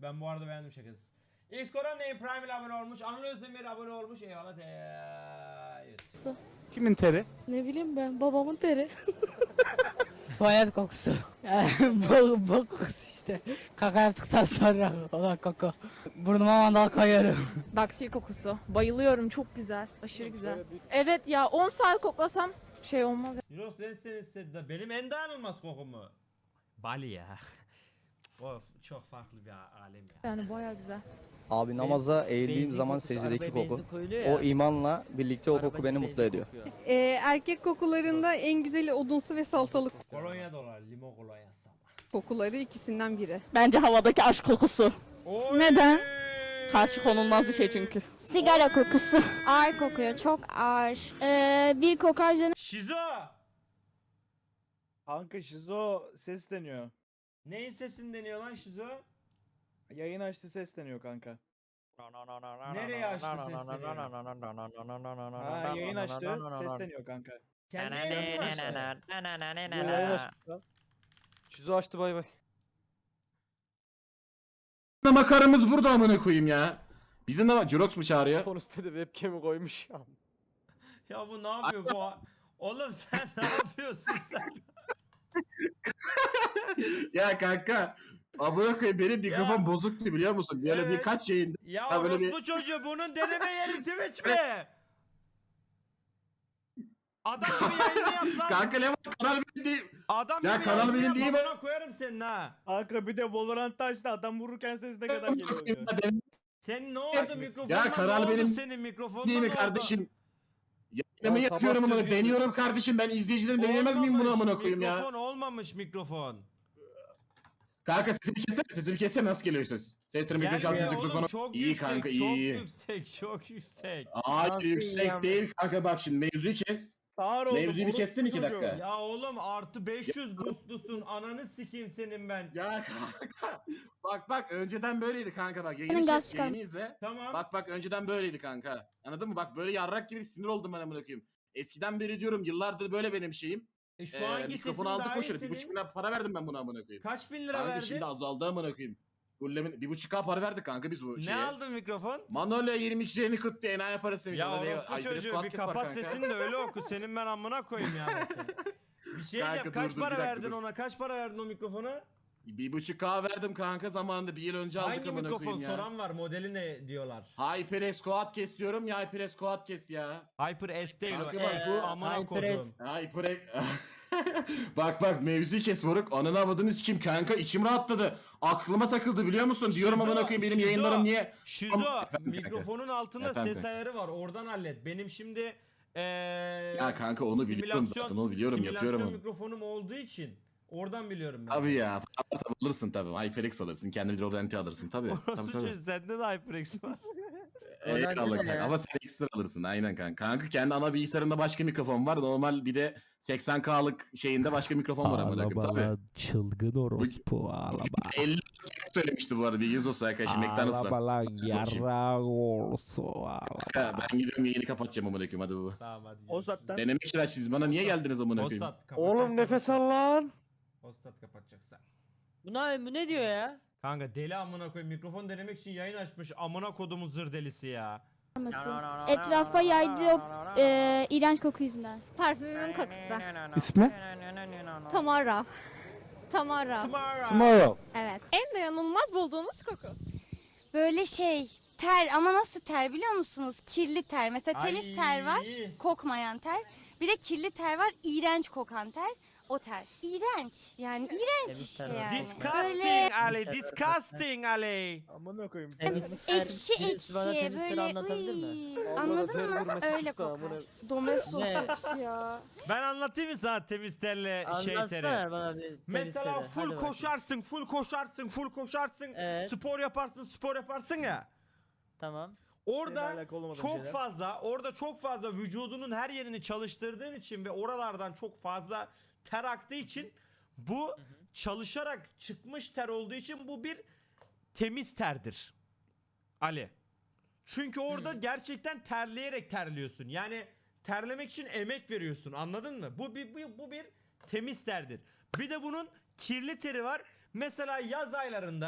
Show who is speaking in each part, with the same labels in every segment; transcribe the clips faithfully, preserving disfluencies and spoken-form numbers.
Speaker 1: Ben bu arada beğendim şakası. X Koran Ney Prime ile abone olmuş. Anıl Özdemir abone olmuş. Eyvallah. Evet.
Speaker 2: Kimin teri?
Speaker 3: Ne bileyim ben, babamın teri.
Speaker 4: Tuvalet kokusu. bok, bok kokusu işte. Kaka yaptıktan sonra olan koku. Burnuma mandal koyuyorum.
Speaker 3: Daksi kokusu. Bayılıyorum, çok güzel. Aşırı güzel. Evet ya, on saat koklasam şey olmaz.
Speaker 1: Jiros sen istedi de benim en dayanılmaz kokumu. Bali ya. Of, çok farklı bir alem ya.
Speaker 3: Yani bayağı güzel.
Speaker 5: Abi namaza eğildiğim
Speaker 6: Benzin
Speaker 5: zaman
Speaker 6: kokusu,
Speaker 5: secdedeki
Speaker 6: arabaya
Speaker 5: koku.
Speaker 6: benzin koyuluyor ya.
Speaker 5: O imanla birlikte o
Speaker 6: Araba
Speaker 5: koku beni
Speaker 6: benzin
Speaker 5: mutlu ediyor.
Speaker 6: kokuyor.
Speaker 7: Ee, erkek kokularında en güzeli odunsu ve salatalık
Speaker 1: Kolonya dolar, limon kolonyası ama.
Speaker 7: kokuları ikisinden biri.
Speaker 3: Bence havadaki aşk kokusu.
Speaker 1: Oy!
Speaker 3: Neden? Karşı konulmaz bir şey çünkü.
Speaker 8: Sigara kokusu. Ağır kokuyor, çok ağır. Ee, bir kokar canım.
Speaker 1: Şizo!
Speaker 2: Kanka şizo sesleniyor.
Speaker 1: Neyin sesini deniyor lan Şizo?
Speaker 2: Yayın açtı sesleniyor kanka.
Speaker 1: Nereye açtı sesleniyor?
Speaker 2: Ha yayın açtı sesleniyor kanka.
Speaker 1: Kendi yayını mı açtı?
Speaker 2: Yayın açtı.
Speaker 9: Şizo açtı bay bay.
Speaker 10: Makarımız burada amına koyayım ya. Bizim de Jurox mu çağırıyor?
Speaker 9: Konusunda da webcam'i koymuş ya.
Speaker 1: Ya bu ne yapıyor bu? Oğlum sen ne yapıyorsun sen?
Speaker 10: Ya kanka. Amına koyayım benim mikrofon
Speaker 1: Ya.
Speaker 10: bozuktu biliyor musun? Böyle
Speaker 1: Evet.
Speaker 10: birkaç yayında.
Speaker 1: Ya
Speaker 10: Ya böyle
Speaker 1: orospu çocuğu bunun deneme yeri Twitch mi? Adam bir yayını yap lan.
Speaker 10: Kanka ne var kanal benim değil.
Speaker 1: Adam
Speaker 10: Ya
Speaker 1: bir
Speaker 10: kanal
Speaker 1: yayını
Speaker 10: benim
Speaker 1: yap,
Speaker 10: değil mi?
Speaker 1: amına koyarım senin ha.
Speaker 2: Kanka bir de Valorant açtı adam vururken ses ne kadar geliyor diyor.
Speaker 1: Senin ne oldu mikrofonun?
Speaker 10: Ya kanal benim
Speaker 1: senin mikrofonun
Speaker 10: değil mi kardeşim? Yayınımı
Speaker 9: Ya
Speaker 10: yapıyorum
Speaker 9: sabah
Speaker 10: ama
Speaker 9: düzgün-
Speaker 10: deniyorum kardeşim. Ben izleyicilerim deneyemez miyim bunu amına koyayım ya?
Speaker 1: Mikrofon olmamış mikrofon.
Speaker 10: Kanka sesimi kessene, sesimi kessene nasıl geliyor ses? Seslerim mikrofon
Speaker 1: Gelmiyor
Speaker 10: sesi
Speaker 1: oğlum,
Speaker 10: mikrofonu.
Speaker 1: çok
Speaker 10: İyi
Speaker 1: yüksek,
Speaker 10: kanka
Speaker 1: çok
Speaker 10: iyi iyi.
Speaker 1: yüksek, çok yüksek.
Speaker 10: Hayır
Speaker 6: Nasıl
Speaker 10: yüksek
Speaker 6: ya?
Speaker 10: değil kanka bak şimdi mevzuyu kes.
Speaker 2: Sağır oldu.
Speaker 10: Mevzuyu bir
Speaker 2: orospu
Speaker 10: kessene iki
Speaker 2: çocuğu.
Speaker 10: dakika.
Speaker 1: Ya oğlum artı beş yüz boostlusun, ananı sikeyim senin ben.
Speaker 10: Ya kanka bak bak önceden böyleydi kanka bak
Speaker 8: Senin
Speaker 10: yayını,
Speaker 8: gaz
Speaker 10: kes,
Speaker 8: çıkar.
Speaker 10: yayını izle.
Speaker 1: Tamam.
Speaker 10: Bak bak önceden böyleydi kanka. Anladın mı? Bak böyle yarrak gibi sinir oldum ben amına koyayım. Eskiden beri diyorum yıllardır böyle benim şeyim.
Speaker 1: E şu
Speaker 10: Ee,
Speaker 1: anki
Speaker 10: mikrofonu
Speaker 1: sesin
Speaker 10: aldık
Speaker 1: daha iyi
Speaker 10: boşuna. Bir
Speaker 1: senin.
Speaker 10: buçuk bin lira para verdim ben buna amına koyayım.
Speaker 1: Kaç bin lira
Speaker 10: Kanka
Speaker 1: verdin?
Speaker 10: şimdi azaldı amına koyayım. Fullemin bir buçuk K para verdik kanka biz bu
Speaker 1: Ne
Speaker 10: şeye.
Speaker 1: aldın mikrofon?
Speaker 10: Manolya yirmi iki yeni kırk diye enayi parası demiş.
Speaker 1: Ya
Speaker 10: Ona diye-
Speaker 1: orospu
Speaker 10: Ay, biraz
Speaker 1: çocuğu
Speaker 10: kulak
Speaker 1: bir
Speaker 10: kes var
Speaker 1: kapat
Speaker 10: kanka.
Speaker 1: sesini de öyle oku. Senin ben amına koyayım yani. seni. Bir şey
Speaker 10: Kanka
Speaker 1: yap.
Speaker 10: dur,
Speaker 1: Kaç
Speaker 10: dur, bir
Speaker 1: para
Speaker 10: dakika,
Speaker 1: verdin
Speaker 10: dur.
Speaker 1: ona? Kaç para verdin o mikrofona?
Speaker 10: Bir buçuk K verdim kanka zamanında bir yıl önce aldık
Speaker 1: Hangi
Speaker 10: amına
Speaker 1: mikrofon
Speaker 10: koyayım ya.
Speaker 1: soran var? Modeli ne diyorlar?
Speaker 10: HyperX Quadcast diyorum ya HyperX Quadcast ya.
Speaker 1: Hyper S değil o.
Speaker 10: Kanka bak
Speaker 1: S,
Speaker 10: bu-
Speaker 1: amına
Speaker 6: HyperX.
Speaker 1: koydum.
Speaker 10: HyperX... bak bak mevzuyu kes moruk. Ananı avadınız kim kanka içim rahatladı. Aklıma takıldı biliyor musun? Diyorum
Speaker 1: Şizo,
Speaker 10: amına koyayım benim
Speaker 1: Şizo.
Speaker 10: yayınlarım niye?
Speaker 1: Şizo
Speaker 10: Efendim kanka.
Speaker 1: mikrofonun altında
Speaker 10: Efendim
Speaker 1: ses
Speaker 10: kanka.
Speaker 1: ayarı var. Oradan hallet. Benim şimdi eee
Speaker 10: Ya kanka onu biliyorum
Speaker 1: simülasyon-
Speaker 10: zaten onu biliyorum yapıyorum
Speaker 1: simülasyon
Speaker 10: onu.
Speaker 1: mikrofonum olduğu için oradan biliyorum ben.
Speaker 10: Tabii ya. Tabii alırsın tabii. HyperX alırsın. Kendi Rodent'i alırsın tabii. Tabii
Speaker 1: Orospu
Speaker 10: tabii.
Speaker 1: çocuğu, sende de HyperX var.
Speaker 10: Eyvallah
Speaker 6: Rodent'i de
Speaker 10: kanka.
Speaker 6: ya.
Speaker 10: Ama sen ekstra alırsın aynen kanka. Kanka kendi ana bilgisayarında başka mikrofon var. Normal bir de seksen K'lık şeyinde başka mikrofon var amına koyayım tabii.
Speaker 11: Çılgın orospu ağlama.
Speaker 10: elli söylemişti bu arada bir yüz olsa arkadaşım McDonald's'a.
Speaker 11: Ağlama lan yarrağ olsun ağlama.
Speaker 10: Kanka, ben gidiyorum yayını kapatacağım amına koyayım hadi bu.
Speaker 1: Tamam hadi.
Speaker 2: O zaten.
Speaker 10: Denemek için siz bana niye geldiniz amına koyayım?
Speaker 1: Ostat kapatacaksan-
Speaker 9: Oğlum nefes al lan.
Speaker 1: Ostat kapatacaksan.
Speaker 6: Bu ne, bu ne diyor ya?
Speaker 1: Kanka deli amına koyayım mikrofon denemek için yayın açmış amına kodumun zır delisi ya.
Speaker 8: Etrafa yaydığı o e, iğrenç koku yüzünden.
Speaker 7: Parfümün kokusu.
Speaker 2: İsmi?
Speaker 7: Tamara. Tamara.
Speaker 1: Tomorrow.
Speaker 9: Tomorrow.
Speaker 7: Evet.
Speaker 3: En dayanılmaz bulduğunuz koku.
Speaker 8: Böyle şey ter ama nasıl ter biliyor musunuz? Kirli ter. Mesela
Speaker 1: Ay.
Speaker 8: temiz ter var, kokmayan ter. Bir de kirli ter var, iğrenç kokan ter. O ter. İğrenç. Yani iğrenç
Speaker 6: Temiz
Speaker 8: işte
Speaker 6: ter var.
Speaker 8: yani.
Speaker 1: Disgusting
Speaker 8: Böyle
Speaker 1: Ali, disgusting Ali.
Speaker 2: Amına koyayım.
Speaker 6: Temiz ter-
Speaker 8: ekşi
Speaker 6: birisi bana
Speaker 8: ekşi
Speaker 6: temiz teri
Speaker 8: böyle
Speaker 6: anlatabilir mi?
Speaker 8: uy.
Speaker 9: Abla da
Speaker 8: Anladın
Speaker 9: ter
Speaker 8: mı?
Speaker 9: vurması
Speaker 8: Öyle
Speaker 9: çıktı
Speaker 8: kokar.
Speaker 9: amına.
Speaker 3: Domestos
Speaker 6: Ne?
Speaker 3: kokusu ya.
Speaker 1: Ben anlatayım mı sana temiz terle şey teri?
Speaker 6: Anlatsana bana bir temiz
Speaker 1: Mesela
Speaker 6: teri. Hadi
Speaker 1: full
Speaker 6: bakayım.
Speaker 1: koşarsın, full koşarsın, full koşarsın.
Speaker 6: Evet.
Speaker 1: Spor yaparsın, spor yaparsın ya.
Speaker 6: Tamam.
Speaker 1: Orada
Speaker 2: Seninle alakalı olmadan
Speaker 1: çok
Speaker 2: şeyler.
Speaker 1: fazla, orada çok fazla vücudunun her yerini çalıştırdığın için ve oralardan çok fazla ter aktığı için bu çalışarak çıkmış ter olduğu için bu bir temiz terdir. Ali. Çünkü orada gerçekten terleyerek terliyorsun. Yani terlemek için emek veriyorsun. Anladın mı? Bu bir bu, bu bir temiz terdir. Bir de bunun kirli teri var. Mesela yaz aylarında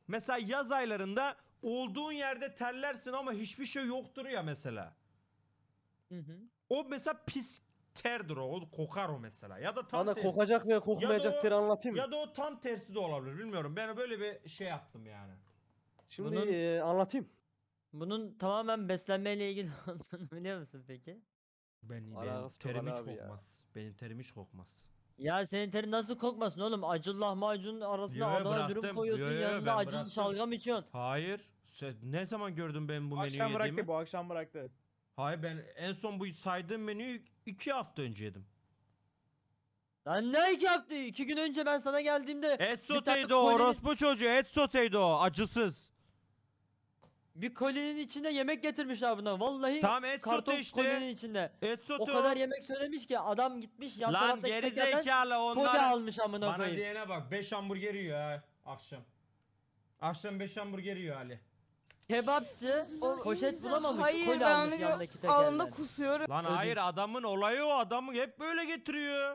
Speaker 1: mesela yaz aylarında olduğun yerde terlersin ama hiçbir şey yoktur ya mesela.
Speaker 6: Hı hı.
Speaker 1: O mesela pis terdir o. O kokar o mesela. Ya da tam
Speaker 9: Sana
Speaker 1: tersi.
Speaker 9: kokacak ve
Speaker 1: Ya da
Speaker 9: kokmayacak
Speaker 1: o-
Speaker 9: teri anlatayım mı?
Speaker 1: Ya da o tam tersi de olabilir. Bilmiyorum. Ben böyle bir şey yaptım yani.
Speaker 9: Şimdi
Speaker 6: Bunun-
Speaker 9: e, anlatayım.
Speaker 6: Bunun tamamen beslenmeyle ilgili olduğunu biliyor musun peki?
Speaker 1: Ben, benim
Speaker 9: Alakası yok
Speaker 1: terim
Speaker 9: Ali
Speaker 1: hiç
Speaker 9: abi ya.
Speaker 1: kokmaz. Benim terim hiç kokmaz.
Speaker 6: Ya senin terin nasıl kokmasın oğlum? Acılı lahmacun arasına
Speaker 1: Yo, yo,
Speaker 6: Adana dürüm
Speaker 1: bıraktım.
Speaker 6: koyuyorsun,
Speaker 1: Yo, yo,
Speaker 6: yanında
Speaker 1: ben
Speaker 6: acılı
Speaker 1: bıraktım.
Speaker 6: şalgam içiyorsun.
Speaker 1: Hayır. Sen ne zaman gördün ben bu
Speaker 2: Bu
Speaker 1: menüyü
Speaker 2: akşam
Speaker 1: yediğimi?
Speaker 2: bıraktı bu akşam bıraktı.
Speaker 1: Hayır, ben en son bu saydığım menüyü iki hafta önce yedim.
Speaker 6: Lan ne iki hafta? İki gün önce ben sana geldiğimde
Speaker 1: Et
Speaker 6: bir tane
Speaker 1: soteydi o,
Speaker 6: kolinin-
Speaker 1: orospu çocuğu. Et soteydi o, acısız.
Speaker 6: bir kolinin içinde yemek getirmişler buna. Vallahi
Speaker 1: Tamam, et
Speaker 6: karton
Speaker 1: sote işte.
Speaker 6: kolinin içinde.
Speaker 1: Et sote
Speaker 6: O kadar yemek söylemiş ki adam gitmiş yan
Speaker 1: Lan
Speaker 6: taraftaki
Speaker 1: geri
Speaker 6: tekerden
Speaker 1: zekalı
Speaker 6: kolye
Speaker 1: onlar.
Speaker 6: almış amına
Speaker 1: Bana
Speaker 6: koyayım.
Speaker 1: diyene bak, beş hamburger yiyor ha akşam. Akşam beş hamburger yiyor Ali.
Speaker 6: Kebapçı
Speaker 3: O-
Speaker 6: poşet bulamamış.
Speaker 3: Hayır,
Speaker 6: kolye
Speaker 3: ben
Speaker 6: almış
Speaker 3: onu
Speaker 6: yandaki
Speaker 3: gö- alnında
Speaker 6: tekerden.
Speaker 3: kusuyorum.
Speaker 1: Lan
Speaker 6: Ödünç.
Speaker 1: hayır, adamın olayı o, adamı hep böyle getiriyor.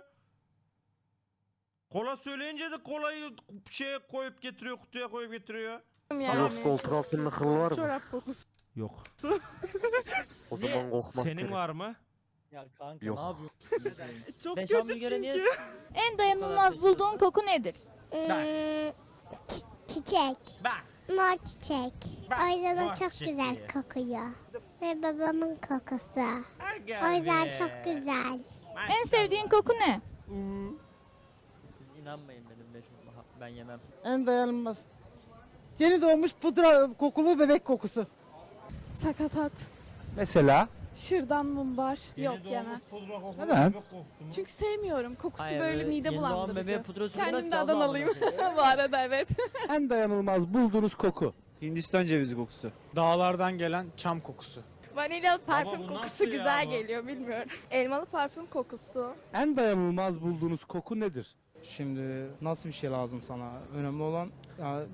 Speaker 1: Kola söyleyince de kolayı şeye koyup getiriyor, kutuya koyup getiriyor.
Speaker 3: Yani.
Speaker 9: koltuk altında kıl var mı?
Speaker 3: Çorap kokusu.
Speaker 1: Yok.
Speaker 9: O zaman kokmaz
Speaker 1: Senin
Speaker 9: teri.
Speaker 1: var mı?
Speaker 2: Ya kanka
Speaker 9: Yok.
Speaker 2: ne yapıyorsun? Çok
Speaker 6: Beş
Speaker 2: kötü
Speaker 6: hamburgere niye
Speaker 2: çünkü.
Speaker 3: En dayanılmaz bulduğun koku nedir?
Speaker 8: Çiçek.
Speaker 1: Bak.
Speaker 8: Mor çiçek.
Speaker 1: Bak,
Speaker 8: O yüzden
Speaker 1: mor
Speaker 8: o çok
Speaker 1: çiçek
Speaker 8: güzel
Speaker 1: diye.
Speaker 8: kokuyor. Ve babamın kokusu.
Speaker 1: Aga
Speaker 8: O yüzden
Speaker 1: be.
Speaker 8: çok güzel.
Speaker 3: En sevdiğin koku ne?
Speaker 6: Siz inanmayın benim beş hamburger. Ben yemem.
Speaker 4: En dayanılmaz. Yeni doğmuş pudra kokulu bebek kokusu.
Speaker 7: Sakatat.
Speaker 11: Mesela?
Speaker 7: Şırdan mumbar.
Speaker 1: Yeni
Speaker 7: Yok
Speaker 1: doğmuş
Speaker 7: yemem.
Speaker 1: pudra kokulu
Speaker 11: Neden?
Speaker 1: bebek koktu mu?
Speaker 7: Çünkü sevmiyorum. Kokusu
Speaker 6: Hayır,
Speaker 7: böyle
Speaker 6: öyle
Speaker 7: mide
Speaker 6: yeni doğan
Speaker 7: bulandırıcı.
Speaker 6: bebeğe pudra sürülmez
Speaker 7: Kendim
Speaker 6: ki
Speaker 7: de
Speaker 6: abla amına
Speaker 7: Adanalıyım.
Speaker 6: koyayım.
Speaker 7: Bu arada evet.
Speaker 11: En dayanılmaz bulduğunuz koku.
Speaker 2: Hindistan cevizi kokusu. Dağlardan gelen çam kokusu.
Speaker 7: Vanilyalı
Speaker 1: Ama
Speaker 7: parfüm
Speaker 1: bu
Speaker 7: kokusu
Speaker 1: nasıl ya
Speaker 7: güzel
Speaker 1: bu?
Speaker 7: geliyor bilmiyorum. Elmalı parfüm kokusu.
Speaker 11: En dayanılmaz bulduğunuz koku nedir?
Speaker 2: Şimdi nasıl bir şey lazım sana? Önemli olan ya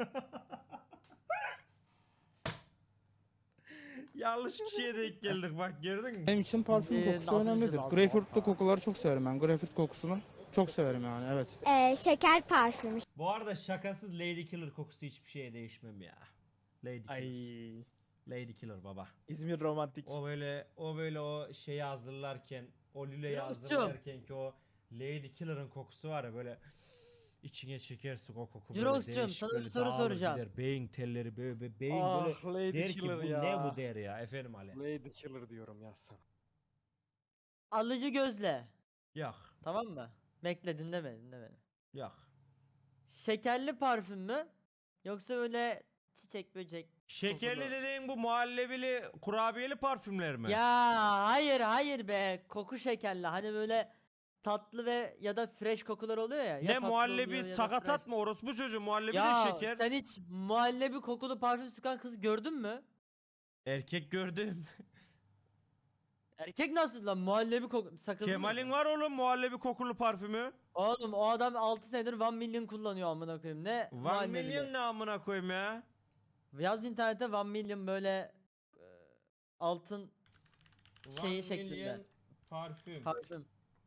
Speaker 1: Yanlış kişiye denk geldik bak, gördün mü?
Speaker 2: benim için parfüm
Speaker 6: Ee,
Speaker 2: kokusu
Speaker 6: altı yüz
Speaker 2: önemlidir.
Speaker 6: altı.
Speaker 2: Greyfurtlu kokuları çok severim ben. Greyfurt kokusunu çok severim yani evet.
Speaker 8: Ee, şeker parfümü.
Speaker 1: Bu arada şakasız Lady Killer kokusu hiçbir şeye değişmem ya. Lady Killer.
Speaker 2: Ay
Speaker 1: Lady Killer baba.
Speaker 2: İzmir romantik.
Speaker 1: O böyle o böyle o şeyi hazırlarken, o lüleyi
Speaker 6: Yavuzcuğum.
Speaker 1: hazırlarken ki o Lady Killer'ın kokusu var ya, böyle içine çekersin o koku, böyle
Speaker 6: Yavuzcuğum,
Speaker 1: değişik,
Speaker 6: sana bir
Speaker 1: böyle
Speaker 6: soru
Speaker 1: dağılır
Speaker 6: soracağım.
Speaker 1: gider, beyin telleri böyle, böyle beyin
Speaker 9: Ah
Speaker 1: böyle
Speaker 9: Lady
Speaker 1: der ki
Speaker 9: Killer
Speaker 1: bu
Speaker 9: ya.
Speaker 1: ne bu der ya efendim Ali.
Speaker 9: Lady Killer diyorum ya sana.
Speaker 6: Alıcı gözle.
Speaker 1: Yok
Speaker 6: Tamam mı? Bekle dinleme dinleme.
Speaker 1: yok.
Speaker 6: Şekerli parfüm mü? Yoksa öyle çiçek böcek.
Speaker 1: Şekerli
Speaker 6: kokulu.
Speaker 1: dediğin bu muhallebili kurabiyeli parfümler mi?
Speaker 6: Ya hayır hayır be. Koku şekerli. Hani böyle tatlı ve ya da fresh kokular oluyor ya. Ya
Speaker 1: Ne
Speaker 6: tatlı
Speaker 1: muhallebi
Speaker 6: oluyor ya da
Speaker 1: sakatat
Speaker 6: fresh.
Speaker 1: mı, orospu çocuğu muhallebi
Speaker 6: Ya
Speaker 1: de şeker.
Speaker 6: sen hiç muhallebi kokulu parfüm sıkan kız gördün mü?
Speaker 1: Erkek gördüm.
Speaker 6: Erkek nasıl lan muhallebi koku sakız mı?
Speaker 1: Kemal'in var oğlum muhallebi kokulu parfümü.
Speaker 6: Oğlum o adam altı senedir one million kullanıyor amına koyayım. Ne
Speaker 1: One
Speaker 6: muhallebili?
Speaker 1: Million ne amına koyayım ya.
Speaker 6: Yaz internete one million böyle e, altın şeyi
Speaker 1: One
Speaker 6: şeklinde.
Speaker 1: Million parfüm.
Speaker 6: Parfüm.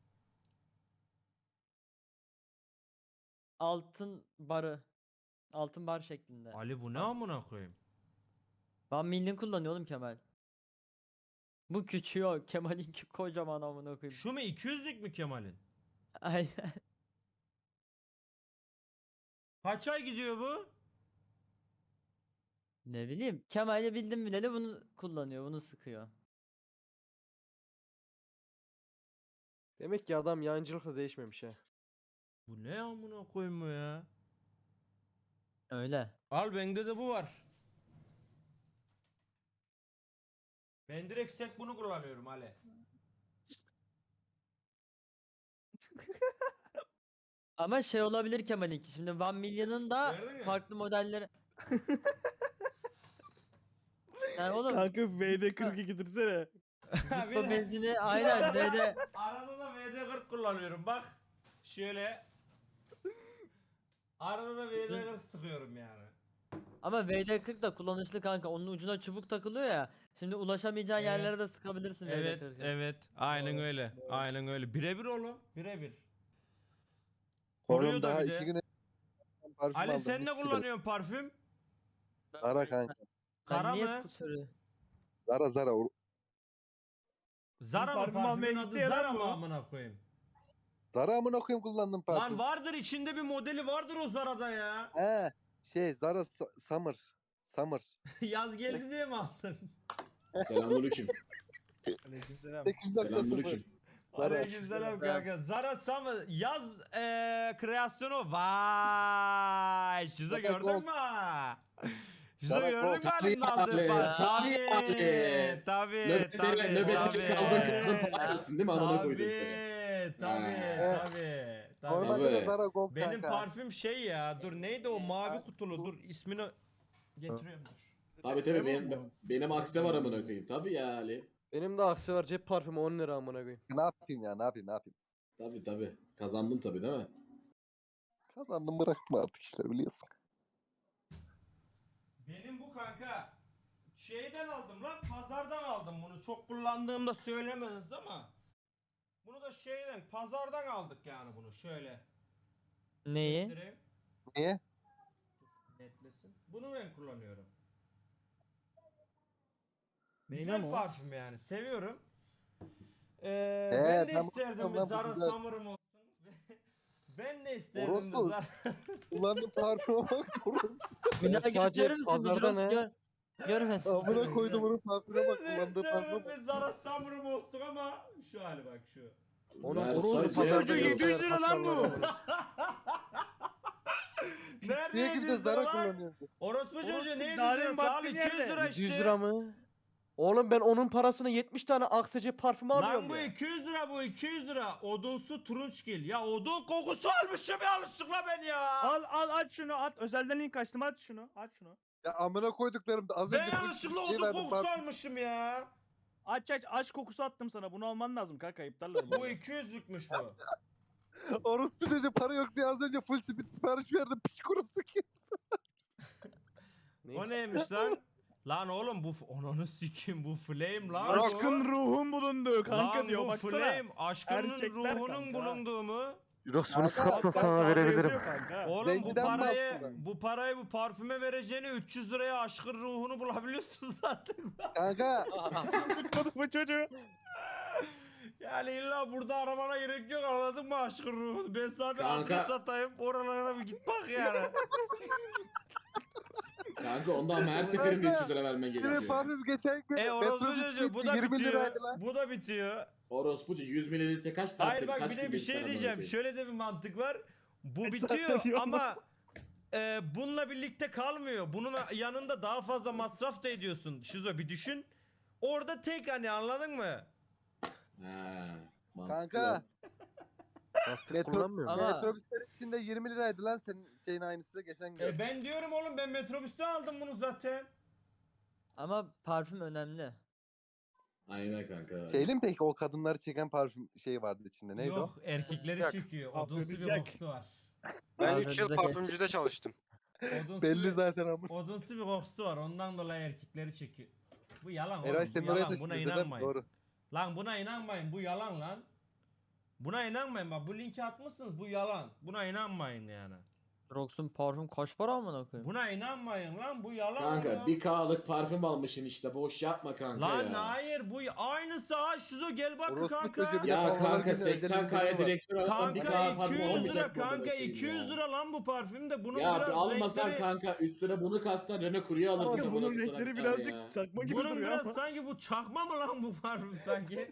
Speaker 6: Altın barı. Altın bar şeklinde.
Speaker 1: Ali bu ne
Speaker 6: Bak.
Speaker 1: amına koyayım?
Speaker 6: one million kullanıyor oğlum Kemal. Bu küçüğü o. Kemal'inki kocaman amına koyayım.
Speaker 1: Şu mu iki yüzlük mü Kemal'in?
Speaker 6: Aynen.
Speaker 1: Kaç ay gidiyor bu?
Speaker 6: Ne bileyim. Kemal'i bildim bileli bunu kullanıyor. Bunu sıkıyor.
Speaker 9: Demek ki adam yancılıkla değişmemiş ha.
Speaker 1: Bu ne amına koyayım bu ya?
Speaker 6: Öyle.
Speaker 1: Al bende de bu var. Ben direkt sek bunu kullanıyorum Ali.
Speaker 6: Ama şey olabilir Kemal'inki. Şimdi one million'ın da
Speaker 1: Gördün mü?
Speaker 6: farklı modelleri. Yani oğlum
Speaker 2: Kanka V D kırk iki getirsene.
Speaker 6: zıpla benzini aynen böyle
Speaker 1: Arada da V D kırk kullanıyorum bak. Şöyle. Arada da V D kırk sıkıyorum yani.
Speaker 6: ama V D kırk da kullanışlı kanka. Onun ucuna çubuk takılıyor ya. Şimdi ulaşamayacağın
Speaker 1: Evet.
Speaker 6: yerlere de sıkabilirsin
Speaker 1: Evet,
Speaker 6: V D kırk'ı.
Speaker 1: evet. Aynen
Speaker 2: Doğru,
Speaker 1: öyle.
Speaker 2: doğru.
Speaker 1: Aynen öyle. Birebir oğlum. Birebir. Koruyor
Speaker 5: Oğlum
Speaker 1: da
Speaker 5: daha
Speaker 1: bir de.
Speaker 5: iki güne parfüm
Speaker 1: Ali
Speaker 5: aldım,
Speaker 1: sen
Speaker 5: mis
Speaker 1: ne
Speaker 5: gibi.
Speaker 1: kullanıyorsun parfüm?
Speaker 9: Zara kanka.
Speaker 1: Kara
Speaker 6: Ben niye
Speaker 1: mı?
Speaker 6: bu soruyu-
Speaker 9: Zara Zara. o-
Speaker 1: Zara mı
Speaker 2: Parfüm almaya
Speaker 1: parfümün
Speaker 2: gitti
Speaker 1: adı
Speaker 2: ya lan
Speaker 1: Zara mı
Speaker 2: bu.
Speaker 1: amına koyayım?
Speaker 9: Zara amına koyayım kullandım
Speaker 1: Lan
Speaker 9: parfüm.
Speaker 1: vardır içinde bir modeli vardır o Zara'da ya.
Speaker 9: He şey Zara Sa- Summer. Summer.
Speaker 1: Yaz geldi diye mi aldın?
Speaker 10: Selamünaleyküm.
Speaker 2: Aleykümselam.
Speaker 9: sekiz nokta sıfır.
Speaker 10: Selamünaleyküm.
Speaker 9: Zara.
Speaker 1: Aleykümselam kanka. Zara Summer yaz eee kreasyonu. Vay. Şizo
Speaker 9: Zara
Speaker 1: gördün
Speaker 9: Gold.
Speaker 1: mü? Şizo
Speaker 9: Zara
Speaker 1: gördün mü
Speaker 9: Gold.
Speaker 1: halimde
Speaker 10: Tabii
Speaker 1: aldığım
Speaker 10: abi,
Speaker 1: parça?
Speaker 10: tabii abi.
Speaker 1: Tabii.
Speaker 10: Nöbetleri,
Speaker 1: tabii,
Speaker 10: nöbetleri
Speaker 1: tabii.
Speaker 10: kaldın kaldın parasın değil mi? Amına koydum seni.
Speaker 1: Tabii
Speaker 10: Ha.
Speaker 1: tabii. Tabii.
Speaker 9: Normalde de
Speaker 10: Tabii.
Speaker 9: Zara Gold
Speaker 1: Benim
Speaker 9: kanka.
Speaker 1: parfüm şey ya. Dur neydi o mavi kutulu? Dur ismini getiriyorum dur.
Speaker 10: Tabii tabii benim, benim akse var amına koyayım. Tabii ya Ali.
Speaker 9: Benim de aksi var cep parfümü on lira amına koyayım. Ne yapayım ya ne yapayım ne yapayım.
Speaker 10: Tabii tabii. Kazandın tabii değil mi?
Speaker 9: Kazandım bıraktım artık işler biliyorsun.
Speaker 1: Benim bu kanka şeyden aldım lan, pazardan aldım bunu. Çok kullandığımda söylemediniz ama bunu da şeyden, pazardan aldık yani bunu. Şöyle
Speaker 6: Neyi?
Speaker 1: göstereyim,
Speaker 9: Niye?
Speaker 1: netlesin. Bunu ben kullanıyorum.
Speaker 2: Neyin
Speaker 1: Güzel
Speaker 2: ama o?
Speaker 1: parfüm yani, seviyorum. Ee,
Speaker 9: Ee,
Speaker 1: ben de
Speaker 9: ben
Speaker 1: isterdim
Speaker 9: bakıyorum
Speaker 1: bir
Speaker 9: lan, bu
Speaker 1: Zara
Speaker 9: güzel.
Speaker 1: Summer'ım olsun. Ben de isterdim bir
Speaker 9: Orospu.
Speaker 1: Zara.
Speaker 9: Kullandığım parfüme bak. orospu.
Speaker 6: Bir daha
Speaker 9: sadece
Speaker 6: gösterir misin?
Speaker 9: pazarda
Speaker 6: Jirox
Speaker 9: ne?
Speaker 6: gör. Görmedim.
Speaker 9: Amına koydum onun parfüme bak.
Speaker 1: Ben de
Speaker 9: Kullandığı parfüme
Speaker 1: isterdim
Speaker 9: bak.
Speaker 1: bir Zara Summer'ım olsun ama şu hali bak şu.
Speaker 9: Onun
Speaker 10: Versace
Speaker 9: orospu
Speaker 10: ya.
Speaker 9: pazarda
Speaker 2: Çocuğu yedi yüz lira lan bu.
Speaker 1: Nerede
Speaker 9: Niye gibi de
Speaker 1: yedi yüz
Speaker 9: Zara
Speaker 1: lira lan?
Speaker 9: kullanıyorsun?
Speaker 1: Orospu çocuğu ne
Speaker 2: daha
Speaker 1: yedi yüz
Speaker 2: demin
Speaker 1: lira? Abi
Speaker 2: baktığın
Speaker 1: iki yüz
Speaker 2: yerde.
Speaker 1: lira işte.
Speaker 9: yüz lira mı? Oğlum ben onun parasını yetmiş tane aksece parfüm alıyorum
Speaker 1: Lan bu
Speaker 9: ya.
Speaker 1: iki yüz lira, bu iki yüz lira. Odunsu turunçgil. Ya odun kokusu almışım yanlışlıkla ben ya.
Speaker 2: Al al aç şunu at. Özelden link açtım aç şunu. Aç şunu.
Speaker 9: Ya amına koyduklarım da az
Speaker 1: Ben
Speaker 9: önce full
Speaker 1: yanlışlıkla
Speaker 9: şey
Speaker 1: odun
Speaker 9: verdim,
Speaker 1: kokusu
Speaker 9: parfüm.
Speaker 1: almışım ya.
Speaker 2: Aç aç aç kokusu attım sana. Bunu alman lazım kanka iptallerim.
Speaker 1: Bu iki yüzlükmüş bu.
Speaker 9: Orospu çocuğu para yok diye az önce full speed sipariş verdim. Piç kurusu ki.
Speaker 1: O neymiş lan? Lan oğlum bu f- ananı sikim bu flame lan. bu.
Speaker 2: Aşkın ruhum bulundu kanka
Speaker 1: Lan
Speaker 2: diyor
Speaker 1: bu
Speaker 2: baksana.
Speaker 1: flame aşkının
Speaker 2: Erkekler
Speaker 1: ruhunun
Speaker 2: kanka.
Speaker 1: bulunduğu mu?
Speaker 9: Jirox
Speaker 2: Bak, bak, sana verebilirim. Kanka.
Speaker 1: Oğlum bu
Speaker 9: Zenciden mi
Speaker 1: parayı
Speaker 9: aslında?
Speaker 1: bu parayı bu parfüme vereceğini üç yüz liraya aşkın ruhunu bulabiliyorsun zaten.
Speaker 9: Kanka
Speaker 2: bu çocuğu.
Speaker 1: Yani illa burada aramana gerek yok, anladın mı aşkın ruhunu? Ben sana bir
Speaker 10: Kanka.
Speaker 1: adres satayım, oralara bir git bak yani.
Speaker 10: Kanka ondan her seferinde üç yüz lira vermen
Speaker 9: yine
Speaker 10: gerekiyor.
Speaker 9: parfüm geçen gün
Speaker 1: e orospu
Speaker 9: metrobüs
Speaker 1: çocuğu bu
Speaker 9: gitti
Speaker 1: da
Speaker 9: yirmi
Speaker 1: bitiyor.
Speaker 9: liraydı lan.
Speaker 1: Bu da bitiyor.
Speaker 10: Orospucu yüz mililitre kaç saatte
Speaker 1: Hayır bak
Speaker 10: kaç
Speaker 1: bir de
Speaker 10: günde
Speaker 1: bir
Speaker 10: biter
Speaker 1: şey
Speaker 10: amına
Speaker 1: diyeceğim.
Speaker 10: koyayım?
Speaker 1: Şöyle de bir mantık var. Bu
Speaker 2: Kaç
Speaker 1: bitiyor
Speaker 2: saatte diyor
Speaker 1: ama e, bununla birlikte kalmıyor. Bunun yanında daha fazla masraf da ediyorsun. Şizo bir düşün. Orada tek hani, anladın mı?
Speaker 10: Ha, mantıklı
Speaker 9: Kanka.
Speaker 10: lan.
Speaker 9: Metro,
Speaker 6: musun? Ama-
Speaker 9: metrobüslerin içinde yirmi liraydı lan senin şeyin aynısı da geçen gün.
Speaker 1: E ben diyorum oğlum, ben metrobüste aldım bunu zaten.
Speaker 6: Ama parfüm önemli.
Speaker 10: Aynen kanka.
Speaker 9: Şeyli mi peki o kadınları çeken parfüm şeyi vardı içinde neydi
Speaker 1: Yok erkekleri
Speaker 9: Yak.
Speaker 1: çekiyor. Odunsu bir
Speaker 2: Afrodizyak.
Speaker 1: kokusu var.
Speaker 6: Ben üç yıl
Speaker 9: parfümcüde çalıştım.
Speaker 1: Odunsu
Speaker 9: o? Belli
Speaker 1: bir,
Speaker 9: zaten ama.
Speaker 1: odunsu bir kokusu var. Ondan dolayı erkekleri çekiyor. Bu yalan oğlum.
Speaker 9: Eray
Speaker 1: Bu
Speaker 9: senin oraya
Speaker 1: yalan. Buna
Speaker 9: taşıdın değil mi?
Speaker 1: inanmayın.
Speaker 9: Doğru.
Speaker 1: Lan buna inanmayın. Bu yalan lan. Buna inanmayın bak. Bu linki atmışsınız. Bu yalan. Buna inanmayın yani.
Speaker 6: Jirox'un parfüm kaç para amına koyayım?
Speaker 1: Buna inanmayın lan. Bu yalan.
Speaker 10: Kanka
Speaker 1: ya.
Speaker 10: bir K'lık parfüm almışsın işte boş yapma kanka
Speaker 1: Lan
Speaker 10: ya.
Speaker 1: hayır bu aynısı ha. Şuzo gel bak
Speaker 9: Orospu
Speaker 1: kanka.
Speaker 9: çocuğu bir de
Speaker 10: Ya
Speaker 9: havalar
Speaker 10: kanka
Speaker 9: günü
Speaker 10: seksen
Speaker 9: özel
Speaker 10: K'ya
Speaker 9: indirim var.
Speaker 10: direksiyon alalım bir K
Speaker 1: Kanka
Speaker 10: parfüm
Speaker 1: iki yüz lira
Speaker 10: olmayacak mı amına
Speaker 1: kanka
Speaker 10: koyayım
Speaker 1: iki yüz
Speaker 10: ya?
Speaker 1: lira lan bu parfüm de bunun
Speaker 10: Ya bir
Speaker 1: biraz
Speaker 10: almasan
Speaker 1: renkleri-
Speaker 10: kanka üstüne bunu kastan Renault Kuru'yu alırdın.
Speaker 2: Kanka
Speaker 10: amına
Speaker 2: bunun
Speaker 10: koyayım sana
Speaker 2: renkleri
Speaker 10: bir tane
Speaker 2: birazcık
Speaker 10: ya.
Speaker 2: çakma gibi
Speaker 1: Bunun
Speaker 2: duruyor
Speaker 1: biraz
Speaker 2: ama.
Speaker 1: sanki bu çakma mı lan bu parfüm sanki?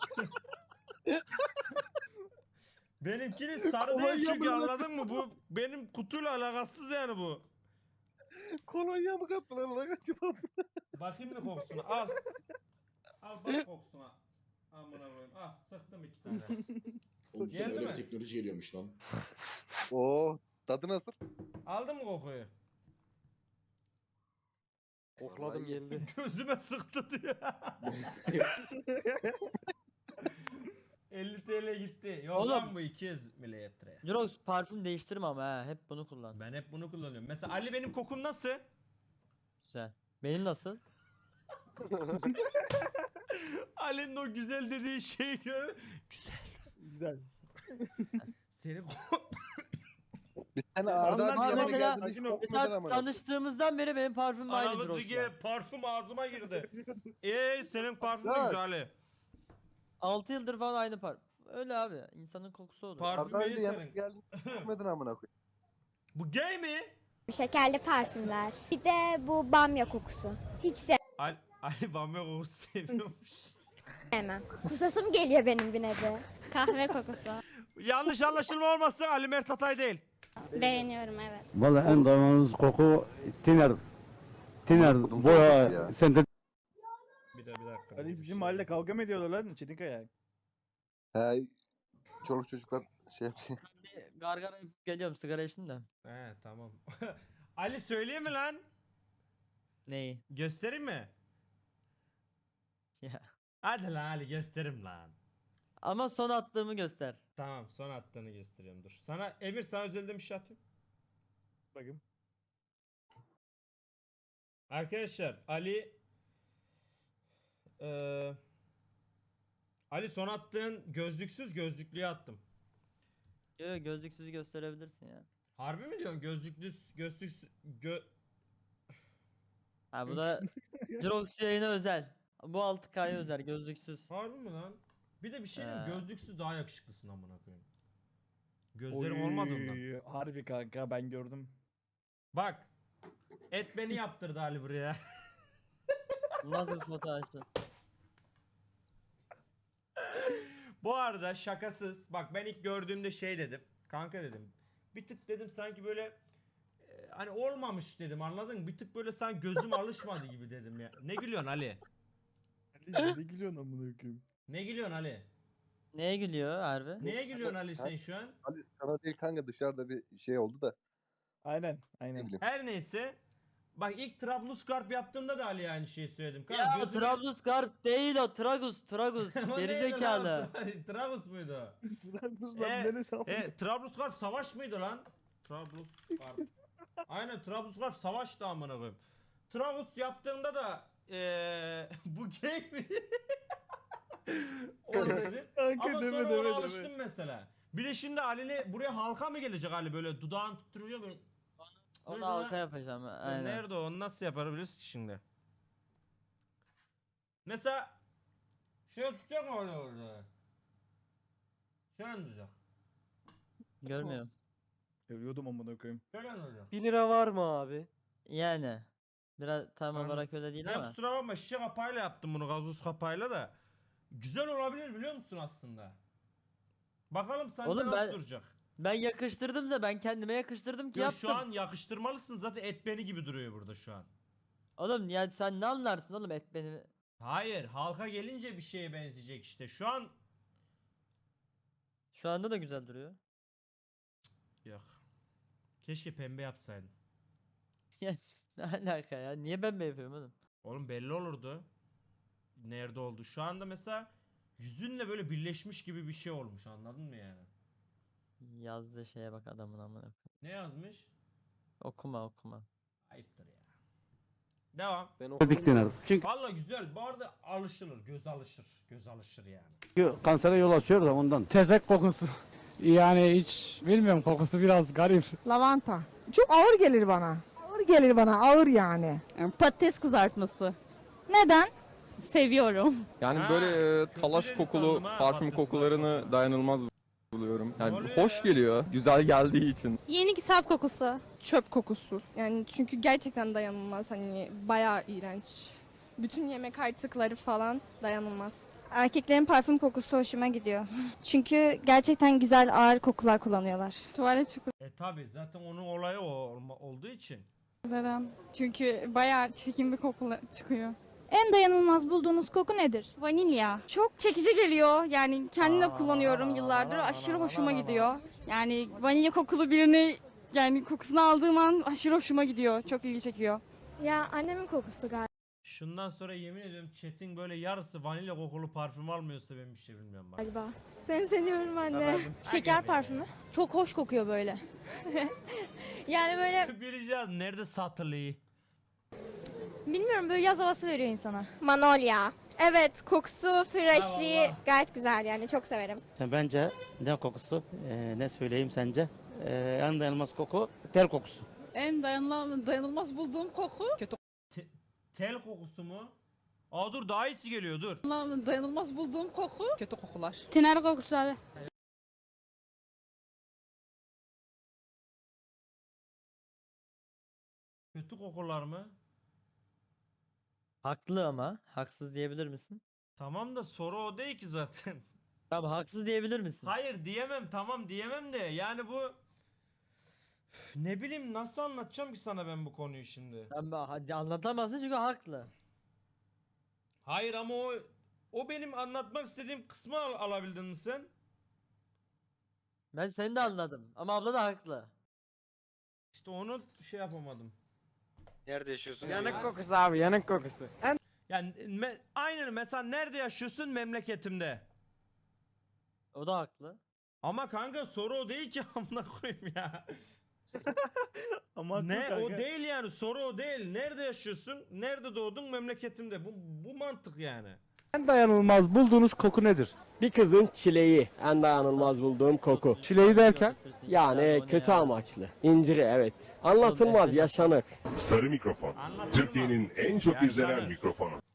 Speaker 1: Benimkini sarı
Speaker 9: Kolonya
Speaker 1: değil çünkü,
Speaker 9: mı lan?
Speaker 1: anladın mı? Bu benim kutuyla alakasız yani bu.
Speaker 9: Kolonya mı kattılar ona kaçıyor?
Speaker 1: Bakayım mı kokusuna? Al. Al bak kokusuna. Amına koyayım. Ah sıktım iki tane.
Speaker 10: Oğlum sen
Speaker 1: Geldi
Speaker 10: öyle
Speaker 1: mi?
Speaker 10: bir teknoloji geliyormuş lan.
Speaker 9: Oo, tadı nasıl?
Speaker 1: Aldın mı kokuyu?
Speaker 9: Kokladım geldi.
Speaker 1: Gözüme sıktı diyor. elli TL gitti. Yok
Speaker 6: Oğlum.
Speaker 1: lan bu iki yüz mililitre.
Speaker 6: Jirox parfüm değiştirme ama ha. Hep bunu kullan.
Speaker 1: Ben hep bunu kullanıyorum. Mesela Ali benim kokum nasıl?
Speaker 6: Güzel. Benim nasıl?
Speaker 1: Ali'nin o güzel dediği şeyi gör. Güzel.
Speaker 2: Güzel.
Speaker 1: Senin ko-
Speaker 9: Biz seni
Speaker 2: Anlar
Speaker 9: Arda
Speaker 2: ya,
Speaker 9: abi yanına
Speaker 2: mesela-
Speaker 9: geldiğinde hiç
Speaker 2: Sakin ol.
Speaker 9: kokmadın
Speaker 6: Mesela
Speaker 9: ama.
Speaker 6: tanıştığımızdan beri benim parfümüm aynıdır
Speaker 1: Anamız
Speaker 6: o
Speaker 1: gibi parfüm ağzıma girdi. Eee senin parfümün
Speaker 9: Ya.
Speaker 1: güzel Ali.
Speaker 6: altı yıldır falan aynı parfüm. Öyle abi. İnsanın kokusu olur.
Speaker 1: Parfüm
Speaker 9: Arda
Speaker 1: iyi
Speaker 9: abi yanına
Speaker 1: senin.
Speaker 9: geldiğinde hiç kokmadın amına koyayım.
Speaker 1: Bu gay mi?
Speaker 8: Şekerli parfümler. Bir de bu bamya kokusu. Hiç
Speaker 1: Ali, Ali bamya kokusu seviyormuş.
Speaker 8: sevmem. Kusasım geliyor benim bir nevi. Kahve kokusu.
Speaker 1: Yanlış anlaşılma olmasın Ali Mert Atay değil.
Speaker 8: Beğeniyorum evet.
Speaker 11: Vallahi en dayanılmaz koku tiner. Tiner
Speaker 9: Kodum
Speaker 11: boya
Speaker 9: sokası ya.
Speaker 11: sente
Speaker 1: Bir de bir dakika.
Speaker 2: Ali bizim mahallede kavga mı ediyorlar lan Çetinkaya?
Speaker 9: He, çoluk çocuklar şey yapıyor.
Speaker 6: Bir gargara yapıp geliyorum sigara içtim de.
Speaker 1: He tamam. Ali söyleyeyim mi lan?
Speaker 6: Neyi?
Speaker 1: Göstereyim mi?
Speaker 6: Ya.
Speaker 1: Hadi lan Ali gösterim lan.
Speaker 6: Ama son attığımı göster.
Speaker 1: Tamam son attığını gösteriyorum dur. Sana Emir sana özelden bir şey atayım.
Speaker 2: Bakayım.
Speaker 1: Arkadaşlar Ali eee Ali son attığın gözlüksüz gözlüklüye attım.
Speaker 6: Yo, yo, gözlüksüzü gösterebilirsin ya.
Speaker 1: Harbi mi diyorsun gözlüklü gözlüksüz gö
Speaker 6: Ha bu da Drox yayına özel. Bu altı K'ya özel gözlüksüz.
Speaker 1: Harbi mi lan? Bir de bir şey diyeyim
Speaker 6: He.
Speaker 1: gözlüksüz daha yakışıklısın amına koyayım. Gözlerim olmadığından.
Speaker 2: Oy, harbi kanka ben gördüm.
Speaker 1: Bak. Et beni yaptırdı Ali buraya.
Speaker 6: Nasıl bir fotoğrafı?
Speaker 1: Bu arada şakasız. Bak ben ilk gördüğümde şey dedim. Kanka dedim. Bir tık dedim sanki böyle e, hani olmamış dedim anladın mı? Bir tık böyle sanki gözüm alışmadı gibi dedim ya. Ne gülüyorsun Ali?
Speaker 2: Ali ne gülüyorsun amına koyayım?
Speaker 1: Ne gülüyorsun Ali?
Speaker 6: Neye gülüyor harbi?
Speaker 1: Neye gülüyorsun Ali sen şu an?
Speaker 9: Ali sana değil kanka dışarıda bir şey oldu da.
Speaker 2: Aynen
Speaker 9: Ne
Speaker 2: aynen.
Speaker 9: bileyim.
Speaker 1: Her neyse. Bak ilk Trablusgarp yaptığımda da Ali'ye aynı şeyi söyledim. Kanka,
Speaker 6: Ya
Speaker 1: gözüme-
Speaker 6: Trablusgarp değil o Tragus Tragus
Speaker 1: O neydi lan?
Speaker 6: gerizekalı.
Speaker 1: Trabus muydu o?
Speaker 2: Trabzon
Speaker 1: E,
Speaker 2: neresi amına?
Speaker 1: E, Trablusgarp savaş mıydı lan? Trablusgarp. Aynen Trablusgarp savaştı amına koyayım. Trabus yaptığında da eee bu gay mi? O dedi.
Speaker 2: Kanka
Speaker 1: Ama
Speaker 2: deme
Speaker 1: sonra
Speaker 2: deme
Speaker 1: ona
Speaker 2: deme.
Speaker 1: alıştım mesela. Bir de şimdi Ali'ne buraya halka mı gelecek Ali böyle dudağını tutturuyor böyle.
Speaker 6: Onu
Speaker 1: Nerede
Speaker 6: halka
Speaker 1: lan?
Speaker 6: yapacağım.
Speaker 1: Ya
Speaker 6: Aynen.
Speaker 1: Nerede o? Onu nasıl yapabiliriz ki şimdi? Mesela şey tutacak mı öyle orada? Şöyle mi tutacak?
Speaker 6: Görmüyorum.
Speaker 2: Ölüyordum amına koyayım.
Speaker 1: Şöyle mi tutacak?
Speaker 12: bir lira var mı abi?
Speaker 6: Yani. Biraz tam
Speaker 1: Anladım.
Speaker 6: olarak öyle değil
Speaker 1: Ya
Speaker 6: ama.
Speaker 1: kusura bakma şişe kapağıyla yaptım bunu gazoz kapağıyla da. Güzel olabilir biliyor musun aslında? Bakalım sende
Speaker 6: Oğlum
Speaker 1: nasıl
Speaker 6: ben-
Speaker 1: duracak?
Speaker 6: Ben yakıştırdım da ben kendime yakıştırdım ki
Speaker 1: Ya
Speaker 6: yaptım.
Speaker 1: şu an yakıştırmalısın zaten et beni gibi duruyor burada şu an.
Speaker 6: Oğlum ya sen ne anlarsın oğlum et benim.
Speaker 1: Hayır halka gelince bir şeye benzeyecek işte. Şu an
Speaker 6: Şu anda da güzel duruyor.
Speaker 1: yok. Keşke pembe yapsaydın.
Speaker 6: Ne alaka ya? Niye ben mi yapıyorum oğlum?
Speaker 1: Oğlum belli olurdu. Nerede oldu? Şu anda mesela yüzünle böyle birleşmiş gibi bir şey olmuş anladın mı yani?
Speaker 6: Yazdığı şeye bak adamın amına. koyayım.
Speaker 1: Ne yazmış?
Speaker 6: Okuma okuma.
Speaker 1: Ayıptır ya. Devam.
Speaker 12: Ben okudum.
Speaker 11: diktinir. Çünkü
Speaker 1: Valla güzel. Bu arada alışılır. Göz alışır. Göz alışır yani.
Speaker 11: kansere yol açıyor da ondan.
Speaker 4: Tezek kokusu. Yani hiç bilmiyorum kokusu biraz garip.
Speaker 7: Lavanta. Çok ağır gelir bana. Ağır gelir bana ağır yani.
Speaker 3: Patates kızartması.
Speaker 8: Neden?
Speaker 3: Seviyorum.
Speaker 12: Yani
Speaker 1: Ha,
Speaker 12: böyle e,
Speaker 1: kötü
Speaker 12: talaş
Speaker 1: dedi
Speaker 12: kokulu
Speaker 1: sandım ha,
Speaker 12: parfüm
Speaker 1: patates
Speaker 12: kokularını
Speaker 1: kızartması.
Speaker 12: dayanılmaz buluyorum.
Speaker 1: Ne
Speaker 12: Yani
Speaker 1: oluyor
Speaker 12: hoş
Speaker 1: ya?
Speaker 12: geliyor, güzel geldiği için.
Speaker 8: Yeni kitap kokusu.
Speaker 7: Çöp kokusu. Yani çünkü gerçekten dayanılmaz. Hani bayağı iğrenç. Bütün yemek artıkları falan dayanılmaz.
Speaker 8: Erkeklerin parfüm kokusu hoşuma gidiyor. Çünkü gerçekten güzel ağır kokular kullanıyorlar.
Speaker 7: Tuvalet
Speaker 1: E tabi zaten onun olayı o olma- olduğu için.
Speaker 7: çukurları. Çünkü bayağı çirkin bir koku çıkıyor.
Speaker 3: En dayanılmaz bulduğunuz koku nedir?
Speaker 8: Vanilya. Çok çekici geliyor. Yani kendim de kullanıyorum yıllardır. Aşırı hoşuma gidiyor. Yani vanilya kokulu birini yani kokusunu aldığım an aşırı hoşuma gidiyor. Çok ilgi çekiyor. Ya annemin kokusu galiba.
Speaker 1: Şundan sonra yemin ediyorum chat'in böyle yarısı vanilya kokulu parfüm almıyorsa ben bir şey bilmiyorum bak.
Speaker 8: Galiba. Seni seviyorum anne.
Speaker 1: Şeker parfümü.
Speaker 3: Çok hoş kokuyor böyle.
Speaker 8: Yani böyle
Speaker 1: Bileceğiz nerede satılıyor.
Speaker 3: Bilmiyorum böyle yaz havası veriyor insana.
Speaker 8: Manolya. Evet kokusu, freshliği
Speaker 1: Eyvallah.
Speaker 8: gayet güzel yani çok severim.
Speaker 5: Bence ne kokusu? Ee, ne söyleyeyim sence?
Speaker 11: Ee, en dayanılmaz koku ter kokusu.
Speaker 4: En dayanılmaz, dayanılmaz bulduğum koku kötü
Speaker 1: Tel kokusu mu? Aa dur daha iyisi geliyor dur.
Speaker 4: dayanılmaz bulduğum koku kötü kokular.
Speaker 8: Tiner kokusu abi.
Speaker 1: Kötü kokular mı?
Speaker 6: Haklı ama. Haksız diyebilir misin?
Speaker 1: Tamam da soru o değil ki zaten.
Speaker 6: Tamam haksız diyebilir misin?
Speaker 1: Hayır diyemem tamam diyemem de yani bu ne bileyim nasıl anlatacağım ki sana ben bu konuyu şimdi.
Speaker 6: Sen ba- hadi anlatamazsın çünkü haklı.
Speaker 1: Hayır ama o o benim anlatmak istediğim kısmı al- alabildin mi sen?
Speaker 6: Ben seni de anladım ama abla da haklı.
Speaker 1: İşte onu şey yapamadım.
Speaker 12: Nerede yaşıyorsun?
Speaker 11: Yanık kokusu abi yanık kokusu.
Speaker 1: Yani me- aynen mesela nerede yaşıyorsun memleketimde.
Speaker 6: O da haklı.
Speaker 1: Ama kanka soru o değil ki amına koyayım ya.
Speaker 2: Ama haklı
Speaker 1: Ne o
Speaker 2: kanka.
Speaker 1: değil yani soru o değil. Nerede yaşıyorsun? Nerede doğdun? Memleketimde. Bu bu mantık yani.
Speaker 11: En dayanılmaz bulduğunuz koku nedir?
Speaker 12: Bir kızın çileği. En dayanılmaz bulduğum koku.
Speaker 11: Çileği derken?
Speaker 12: Yani kötü amaçlı. İnciri evet. Anlatılmaz yaşanır.
Speaker 13: Sarı Mikrofon.
Speaker 1: Anlatılmaz.
Speaker 13: Türkiye'nin en çok izlenen
Speaker 1: Yaşanır.
Speaker 13: mikrofonu.